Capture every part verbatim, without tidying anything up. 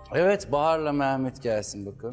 Evet, Bahar'la Mehmet gelsin bakın.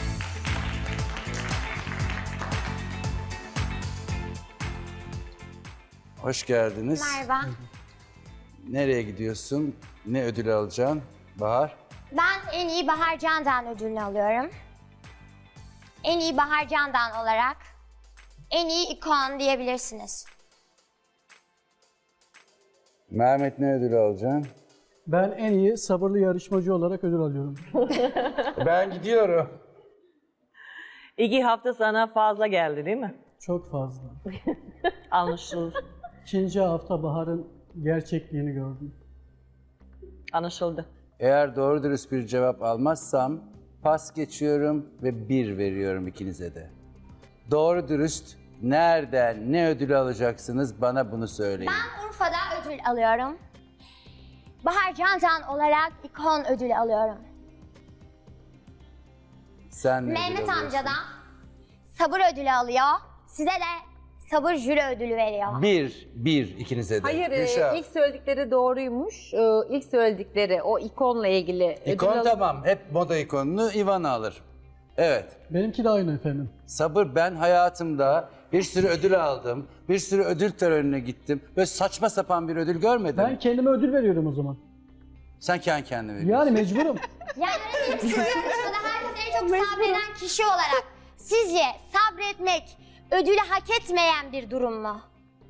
Hoş geldiniz. Merhaba. Nereye gidiyorsun? Ne ödül alacaksın Bahar? Ben en iyi Bahar Candan ödülünü alıyorum. En iyi Bahar Candan olarak en iyi ikon diyebilirsiniz. Mehmet ne ödül alacaksın? Ben en iyi sabırlı yarışmacı olarak ödül alıyorum. Ben gidiyorum. İki hafta sana fazla geldi değil mi? Çok fazla. Anlaşıldı. İkinci hafta Bahar'ın gerçekliğini gördüm. Anlaşıldı. Eğer doğru dürüst bir cevap almazsam pas geçiyorum ve bir veriyorum ikinize de. Doğru dürüst nereden ne ödül alacaksınız bana bunu söyleyin. Ben Urfa'da ödül alıyorum. Bahar Candan olarak ikon ödülü alıyorum. Sen ne ödül Mehmet alıyorsun? amca da sabır ödülü alıyor. Size de sabır jüri ödülü veriyor. Bir, bir ikinize de. Hayır, e, Gülşah. ilk söyledikleri doğruymuş. E, ilk söyledikleri o ikonla ilgili. İkon ödül al- tamam. Hep moda ikonunu Ivana alır. Evet. Benimki de aynı efendim. Sabır, ben hayatımda bir sürü ödül aldım. Bir sürü ödül törenine gittim. Böyle saçma sapan bir ödül görmedim. Ben kendime ödül veriyorum o zaman. Sen kendi kendine veriyorsun. Yani mecburum. Yani öyle siz yarışmada herkes en çok sabreden kişi olarak sizce sabretmek ödülü hak etmeyen bir durum mu?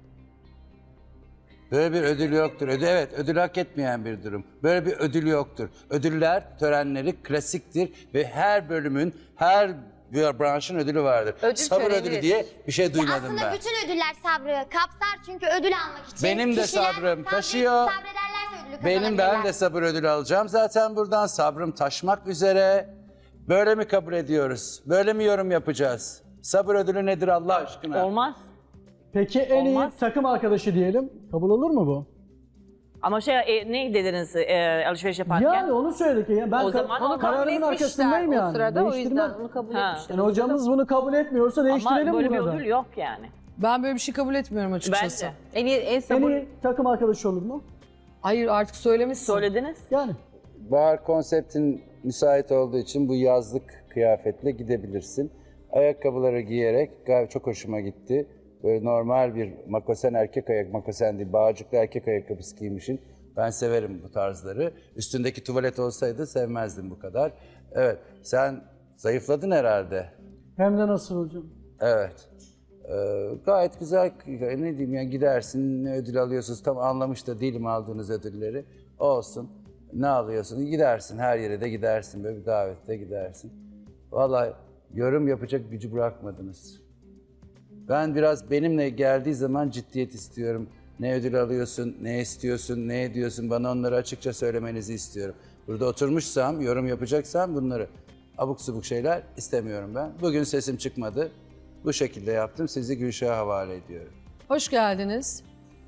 Böyle bir ödül yoktur. Ödül, evet, ödül hak etmeyen bir durum. Böyle bir ödül yoktur. Ödüller, törenleri klasiktir ve her bölümün, her bir branşın ödülü vardır. Ödül Sabır töreni ödülü diye bir şey duymadım Aslında ben. bütün ödüller sabrı kapsar çünkü ödül almak için Benim de kişiler sabrım sabret- taşıyor. Sabrederlerse ödülü Benim ben kazanabilirler. de sabır ödülü alacağım. Zaten buradan sabrım taşmak üzere. Böyle mi kabul ediyoruz? Böyle mi yorum yapacağız? Sabır ödülü nedir Allah aşkına? Olmaz. Peki en Olmaz. iyi takım arkadaşı diyelim. Kabul olur mu bu? Ama şey e, ne dediniz e, alışveriş yaparken? Yani onu söyledik. Ya. Ben O ka- zaman onu kararımın Kabul arkasındayım etmişler yani. O sırada o Değiştirmem. yüzden onu kabul Ha. etmişler. Yani hocamız bunu kabul etmiyorsa Ama değiştirelim böyle bir burada. ödül yok yani. Ben böyle bir şey kabul etmiyorum açıkçası. Bence. En iyi, en En sabır. iyi takım arkadaşı olur mu? Hayır artık söylemişsin. Söylediniz. Yani. Bahar konseptin müsait olduğu için bu yazlık kıyafetle gidebilirsin. Ayakkabıları giyerek gayet çok hoşuma gitti. Böyle normal bir makosen erkek ayak, makosen değil, bağcıklı erkek ayakkabısı giymişsin. Ben severim bu tarzları. Üstündeki tuvalet olsaydı sevmezdim bu kadar. Evet, sen zayıfladın herhalde. Hem de nasıl hocam? Evet. Ee, gayet güzel, ne diyeyim ya, gidersin, ne ödül alıyorsunuz tam anlamış da değilim aldığınız ödülleri. Olsun, ne alıyorsun, gidersin, her yere de gidersin, böyle bir davette gidersin. Vallahi yorum yapacak gücü bırakmadınız. Ben biraz benimle geldiği zaman ciddiyet istiyorum. Ne ödül alıyorsun, ne istiyorsun, ne ediyorsun, bana onları açıkça söylemenizi istiyorum. Burada oturmuşsam, yorum yapacaksam bunları abuk subuk şeyler istemiyorum ben. Bugün sesim çıkmadı. Bu şekilde yaptım. Sizi Gülşah'a havale ediyorum. Hoş geldiniz.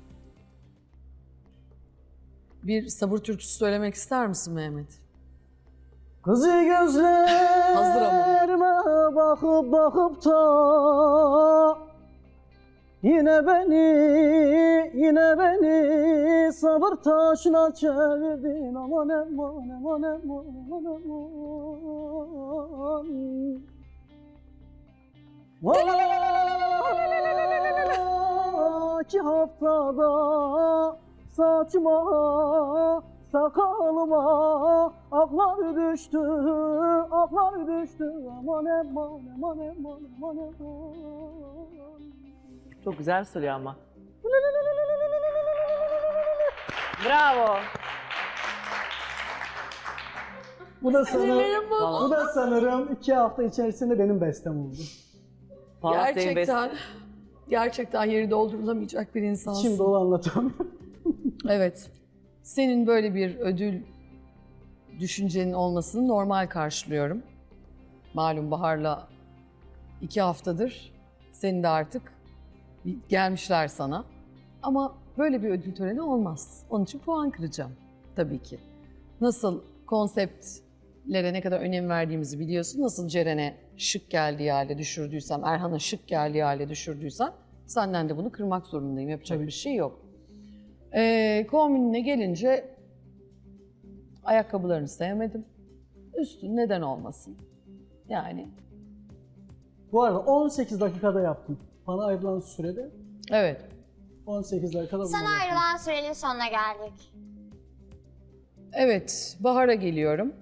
Bir sabır türküsü söylemek ister misin Mehmet? Kızı Hazır ama. gözlerime bakıp bakıp da yine beni, yine beni sabır taşına çevirdin. Aman aman aman aman aman aman. Valla iki haftada saçma sakalıma aklar düştü, aklar düştü. Aman aman aman aman aman aman. Çok güzel söylüyor ama. Bravo. Bu da sanırım, Vallahi. bu da sanırım iki hafta içerisinde benim bestem oldu. Vallahi senin Gerçekten, gerçekten yeri doldurulamayacak bir insansın. Şimdi onu anlatamıyorum. Evet. Senin böyle bir ödül düşüncenin olmasını normal karşılıyorum. Malum Bahar'la iki haftadır senin de artık gelmişler sana. Ama böyle bir ödül töreni olmaz. Onun için puan kıracağım tabii ki. Nasıl konseptlere ne kadar önem verdiğimizi biliyorsun. Nasıl Ceren'e şık geldiği hale düşürdüysem, Erhan'a şık geldiği hale düşürdüysem senden de bunu kırmak zorundayım. Yapacak bir şey yok. Ee, kombinine gelince ayakkabılarını sevmedim. Üstün neden olmasın? Yani Bu arada on sekiz dakikada yaptım. Bana ayrılan sürede evet. on sekiz dakikada Sana bunları yaptım. ayrılan sürenin sonuna geldik. Evet, Bahar'a geliyorum.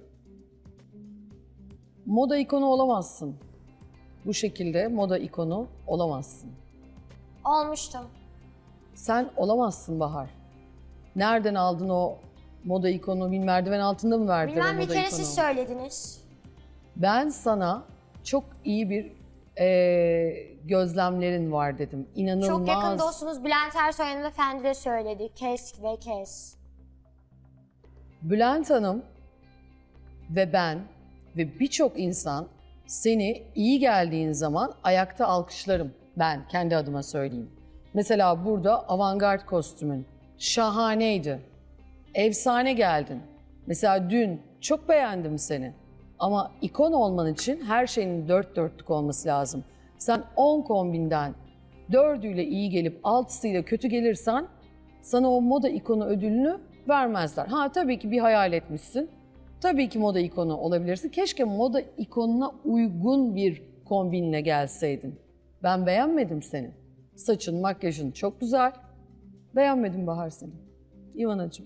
Moda ikonu olamazsın. Bu şekilde moda ikonu olamazsın. Olmuştum. Sen olamazsın Bahar. Nereden aldın o moda ikonu? Bir merdiven altında mı verdiler o Bilmem moda bir kere ikonu? siz söylediniz. Ben sana çok iyi bir eee, gözlemlerin var dedim. İnanılmaz. Çok yakın dostunuz Bülent Ersoy hanımefendi de söyledi. Kes ve kes. Bülent Hanım ve ben ve birçok insan seni iyi geldiğin zaman ayakta alkışlarım. Ben kendi adıma söyleyeyim. Mesela burada avantgard kostümün şahaneydi. Efsane geldin. Mesela dün çok beğendim seni. Ama ikon olman için her şeyin dört dörtlük olması lazım. Sen on kombinden dördüyle iyi gelip altısıyla kötü gelirsen sana o moda ikonu ödülünü vermezler. Ha tabii ki bir hayal etmişsin. Tabii ki moda ikonu olabilirsin. Keşke moda ikonuna uygun bir kombinle gelseydin. Ben beğenmedim seni. Saçın, makyajın çok güzel. Beğenmedim Bahar seni. İvanacığım.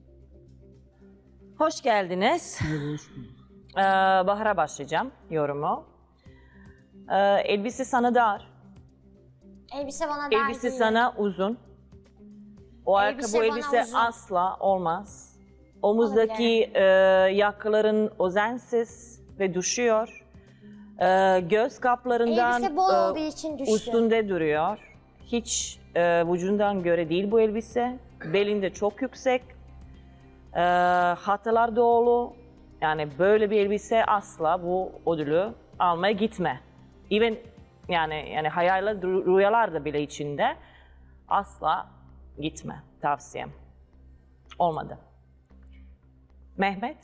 Hoş geldiniz. Ee, Bahar'a başlayacağım yorumu. Ee, elbise sana dar. Elbise bana dar Elbise değil. sana uzun. O Elbise ayakkabı bana elbise uzun. asla olmaz. Omuzdaki e, yakaların özensiz ve düşüyor. E, göz kaplarından Elbise bol e, olduğu için düştü. üstünde duruyor. Hiç e, vücudundan göre değil bu elbise. Belinde çok yüksek. E, hatalar dolu. Yani böyle bir elbise asla bu ödülü almaya gitme. Even yani yani hayaller, rüyalar da bile içinde asla gitme tavsiyem. Olmadı. Mehmet.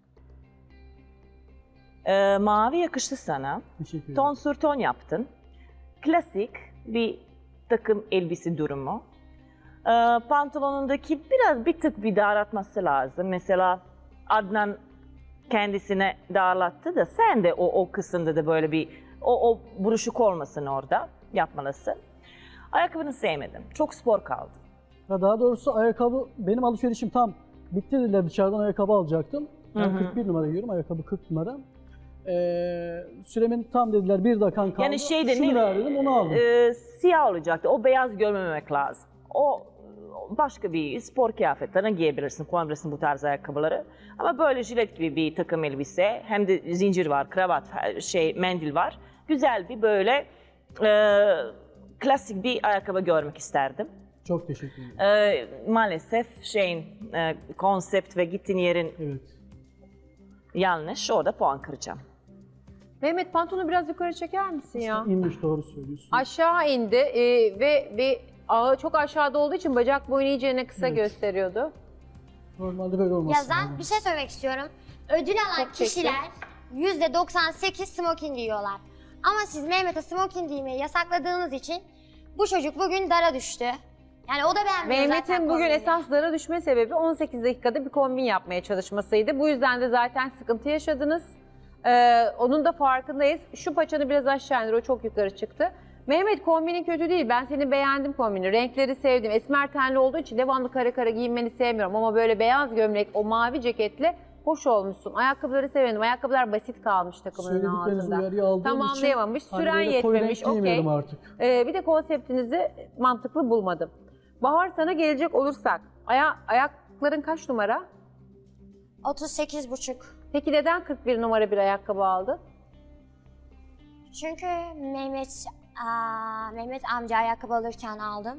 Ee, mavi yakıştı sana. Teşekkür ederim. Ton sur ton yaptın. Klasik bir takım elbise durumu. Ee, pantolonundaki biraz bir tık bir daraltması lazım. Mesela Adnan kendisine darlattı da sen de o, o kısımda da böyle bir o, o buruşuk olmasın orada yapmalısın. Ayakkabını sevmedim. Çok spor kaldı. Ya daha doğrusu ayakkabı, benim alışverişim tam bitti dediler, dışarıdan ayakkabı alacaktım. Ben Hı hı. kırk bir numara giyiyorum, ayakkabı kırk numara. Ee, süremin tam dediler, bir dakikan kaldı. Yani şeyde Şunu ne- ver dedim, onu aldım. Ee, siyah olacaktı. O beyaz görmemek lazım. O başka bir spor kıyafetlerine giyebilirsin, kullanabilirsin bu tarz ayakkabıları. Ama böyle jilet gibi bir takım elbise, hem de zincir var, kravat, şey, mendil var. Güzel bir böyle e, klasik bir ayakkabı görmek isterdim. Çok teşekkür ederim. Ee, maalesef şeyin e, konsept ve gittiğin yerin Evet. yanlış. Orada puan kıracağım. Mehmet pantolonu biraz yukarı çeker misin ya? İnmiş, doğru söylüyorsun. Aşağı indi e, ve bir ağı çok aşağıda olduğu için bacak boyunu iyicene kısa Evet. gösteriyordu. Normalde böyle olması Ya ben bir şey söylemek istiyorum. Ödül alan Çok çekti. kişiler yüzde doksan sekiz smoking giyiyorlar. Ama siz Mehmet'e smoking giymeyi yasakladığınız için bu çocuk bugün dara düştü. Yani o da beğenmiyor zaten Mehmet'in bugün kombini. esas dara düşme sebebi on sekiz dakikada bir kombin yapmaya çalışmasıydı. Bu yüzden de zaten sıkıntı yaşadınız. Ee, onun da farkındayız. Şu paçanı biraz aşağı indir, o çok yukarı çıktı. Mehmet kombinin kötü değil. Ben seni beğendim kombini. Renkleri sevdim. Esmer tenli olduğu için devamlı kare kare giyinmeni sevmiyorum. Ama böyle beyaz gömlek, o mavi ceketle hoş olmuşsun. Ayakkabıları severim. Ayakkabılar basit kalmış takımının Söyledikleriniz altında. uyarıyı aldığım Tamamlayamamış. için hani Süren böyle koyu renk yetmemiş. Okey. giymiyorum artık. Ee, bir de konseptinizi mantıklı bulmadım. Bahar sana gelecek olursak, aya ayakların kaç numara? otuz sekiz buçuk. Peki neden kırk bir numara bir ayakkabı aldın? Çünkü Mehmet aa, Mehmet amca ayakkabı alırken aldım.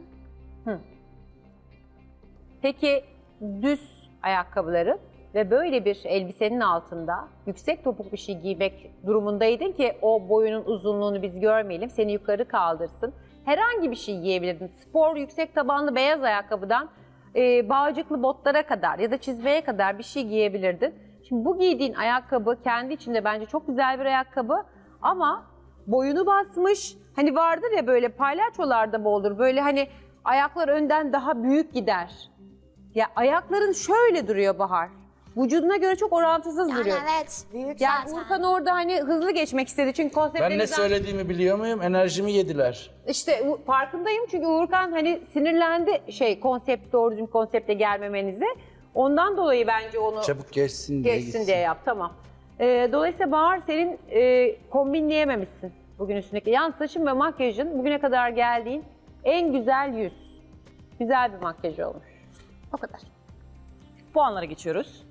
Peki düz ayakkabıları ve böyle bir elbisenin altında yüksek topuk bir şey giymek durumundaydın ki o boyunun uzunluğunu biz görmeyelim, seni yukarı kaldırsın. Herhangi bir şey giyebilirdin. Spor, yüksek tabanlı beyaz ayakkabıdan e, bağcıklı botlara kadar ya da çizmeye kadar bir şey giyebilirdin. Şimdi bu giydiğin ayakkabı kendi içinde bence çok güzel bir ayakkabı ama boyunu basmış. Hani vardır ya böyle palyaçolarda mı olur? Böyle hani ayaklar önden daha büyük gider. Ya ayakların şöyle duruyor Bahar. vücuduna göre çok orantısız Yani duruyor. evet, büyük Yani zaten. Urkan orada hani hızlı geçmek istedi çünkü konsepte Ben ne güzel- söylediğimi biliyor muyum? Enerjimi yediler. İşte u- farkındayım çünkü Urkan hani sinirlendi şey konsept doğru düzgün konsepte gelmemenize. Ondan dolayı bence onu Çabuk geçsin diye geçsin gitsin. diye yap tamam. Ee, dolayısıyla Bahar senin e, kombinleyememişsin bugün üstündeki. Yan saçın ve makyajın bugüne kadar geldiğin en güzel yüz. Güzel bir makyaj olmuş. O kadar. Puanlara geçiyoruz.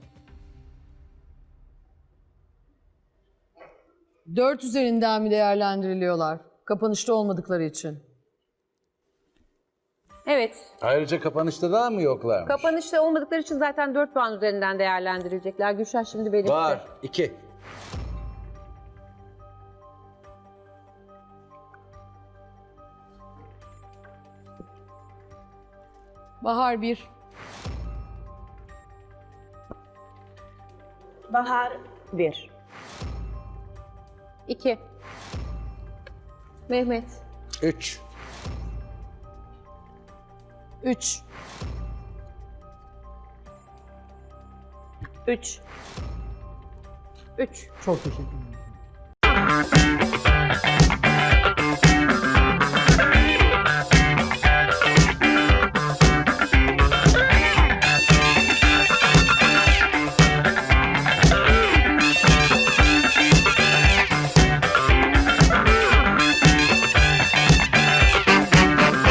Dört üzerinden mi değerlendiriliyorlar? Kapanışta olmadıkları için. Evet. Ayrıca kapanışta daha mı yoklarmış? Kapanışta olmadıkları için zaten dört puan üzerinden değerlendirilecekler. Gülşah şimdi belirtti. Var. iki. Bahar bir. Bahar bir. İki. Mehmet. Üç. Üç. Üç. Üç. Çok teşekkür ederim.